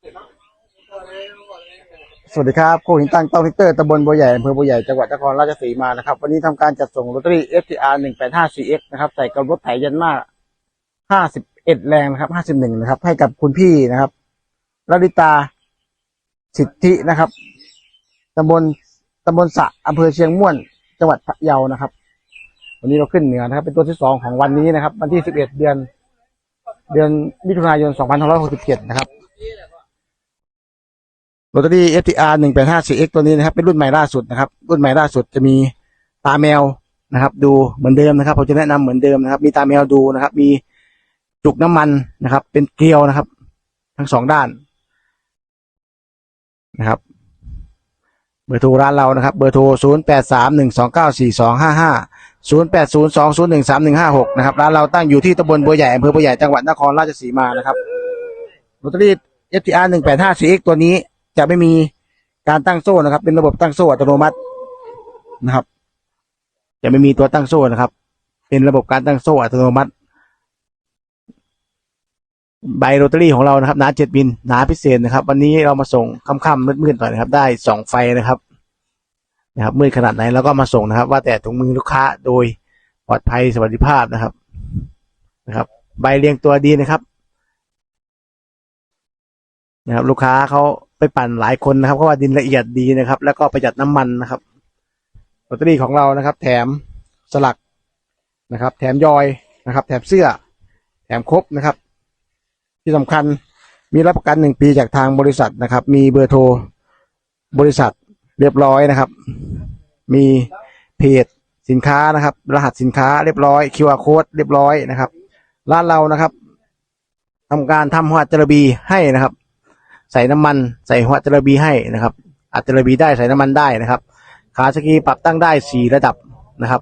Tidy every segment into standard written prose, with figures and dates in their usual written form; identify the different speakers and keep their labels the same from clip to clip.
Speaker 1: สวัสดีครับโคหินตั้งต้องทิกเตอร์ตำบลบัวใหญ่อำเภอบัวใหญ่จังหวัดนครราชสีมานะครับวันนี้ทำการจัดส่งลอตเตอรี่ FTR 185CX นะครับใส่กับรถไถยันมา51แรงนะครับ51นะครับให้กับคุณพี่นะครับลลิตาสิทธินะครับตำบลสะอำเภอเชียงม่วนจังหวัดพะเยานะครับวันนี้เราขึ้นเหนือนะครับเป็นตัวที่2ของวันนี้นะครับวันที่11เดือนมิถุนายน2567นะครับลอตเตอรี่ FTR 185CX ตัวนี้นะครับเป็นรุ่นใหม่ล่าสุดนะครับรุ่นใหม่ล่าสุดจะมีตาแมวนะครับดูเหมือนเดิมนะครับผมจะแนะนำเหมือนเดิมนะครับมีตาแมวดูนะครับมีจุกน้ำมันนะครับเป็นเกลียวนะครับทั้ง2ด้านนะครับเบอร์โทรร้านเรานะครับเบอร์โทร0831294255 0802013156นะครับร้านเราตั้งอยู่ที่ตำบลบัวใหญ่อำเภอบัวใหญ่จังหวัดนครราชสีมานะครับลอตเตอรี่ FTR 185CX ตัวนี้จะไม่มีการตั้งโซ่นะครับเป็นระบบตั้งโซ่อัตโนมัตินะครับจะไม่มีตัวตั้งโซ่นะครับเป็นระบบการตั้งโซ่อัตโนมัติใบลอตเตอรี่ของเรานะครับหนา7 มิลหนาพิเศษนะครับวันนี้เรามาส่งค่ำๆมืดๆหน่อยนะครับได้2ไฟนะครับมืดขนาดไหนเราก็มาส่งนะครับว่าแต่ถุงมือลูกค้าโดยปลอดภัยสวัสดิภาพนะครับใบเรียงตัวดีนะครับลูกค้าเขาไปปั่นหลายคนนะครับเพราะว่าดินละเอียดดีนะครับแล้วก็ประหยัดน้ำมันนะครับลอตเตอรี่ของเรานะครับแถมสลักนะครับแถมยอยนะครับแถมเสื้อแถมครบนะครับที่สำคัญมีรับประกัน1 ปีจากทางบริษัทนะครับมีเบอร์โทรบริษัทเรียบร้อยนะครับมีเพจสินค้านะครับรหัสสินค้าเรียบร้อย QR code เรียบร้อยนะครับร้านเรานะครับทำการทำหัวจระบีให้นะครับใส่น้ำมันใส่หัวจระบีให้นะครับอัดจระบีได้ใส่น้ำมันได้นะครับขาสกีปรับตั้งได้4ระดับนะครับ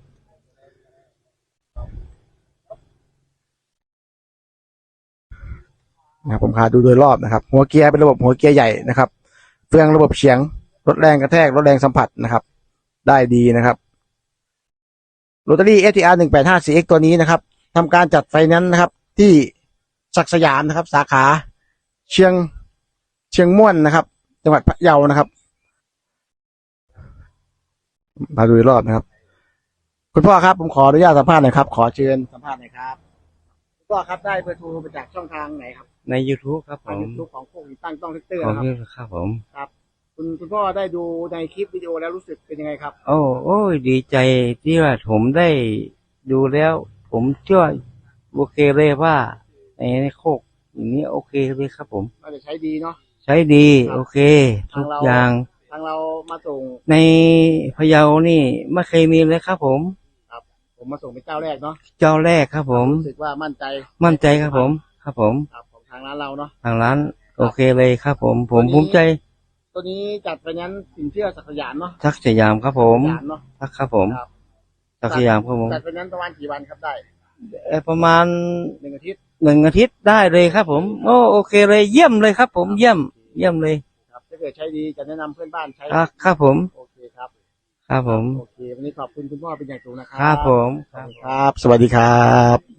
Speaker 1: ผมพาดูโดยรอบนะครับหัวเกียร์เป็นระบบหัวเกียร์ใหญ่นะครับเฟืองระบบเฉียงลดแรงกระแทกลดแรงสัมผัสนะครับได้ดีนะครับลอตเตอรี่ FTR 185CX ตัวนี้นะครับทำการจัดไฟแนนซ์นะครับที่ศักดิ์สยามนะครับสาขาเชียงม่วนนะครับจังหวัดพะเยานะครับมาดูรอบนะครับคุณพ่อครับผมขออนุญาตสัมภาษณ์หน่อยครับขอเชิญสัมภาษณ์หน่อยครับคุณพ่อครับได้เบอร์โทรมาจากช่องทางไหนครับ
Speaker 2: ใน YouTube ครับผม
Speaker 1: YouTube ของโคหินตั้งต้องทิกเตอร์
Speaker 2: ของ
Speaker 1: นะครับ
Speaker 2: พี่ครับผม
Speaker 1: ครับคุณพ่อได้ดูในคลิปวิดีโอแล้วรู้สึกเป็นยังไงครับ
Speaker 2: โอ้ยดีใจที่ว่าผมได้ดูแล้ว ผมเชื่อโอเคเลยว่าในโคกอย่างนี้โอเคเลยครับผม
Speaker 1: น่าจะใช้ดีเนาะ
Speaker 2: ใช้ดีโอเคทุกอย่าง
Speaker 1: ทางเรามาส่ง
Speaker 2: ในพะเยานี่ไม่เคยมีเลยครับผม
Speaker 1: ครับผมมาส่งเป็นเจ้าแรกเนาะ
Speaker 2: เจ้าแรกครับผม
Speaker 1: รู้สึกว่ามั่นใจ
Speaker 2: ครับผมครับผม
Speaker 1: ของทางร้านเราเนาะ
Speaker 2: ทางร้านโอเคเลยครับผมภูมิใจ
Speaker 1: ตัวนี้จัดไปนั้นสินเชื่อศักดิ์สยามเนาะ
Speaker 2: ทักสยามครับผมทักครับผมทักสยามครับผม
Speaker 1: จัดไปนั้นประมาณกี่วันครับได้
Speaker 2: ประมาณ
Speaker 1: 1 อาทิตย์
Speaker 2: ได้เลยครับผมโอเคเลยเยี่ยมเลยครับผมเยี่ยมเลย
Speaker 1: ครับถ้าเกิดใช้ดีจะแนะนำเพื่อนบ้านใช้
Speaker 2: ครับผม
Speaker 1: โอเคครับ
Speaker 2: ครับผม
Speaker 1: โอเควันนี้ขอบคุณคุณพ่อเป็นอย่างสูงนะครับ
Speaker 2: ครับผม
Speaker 1: ครับสวัสดีครับ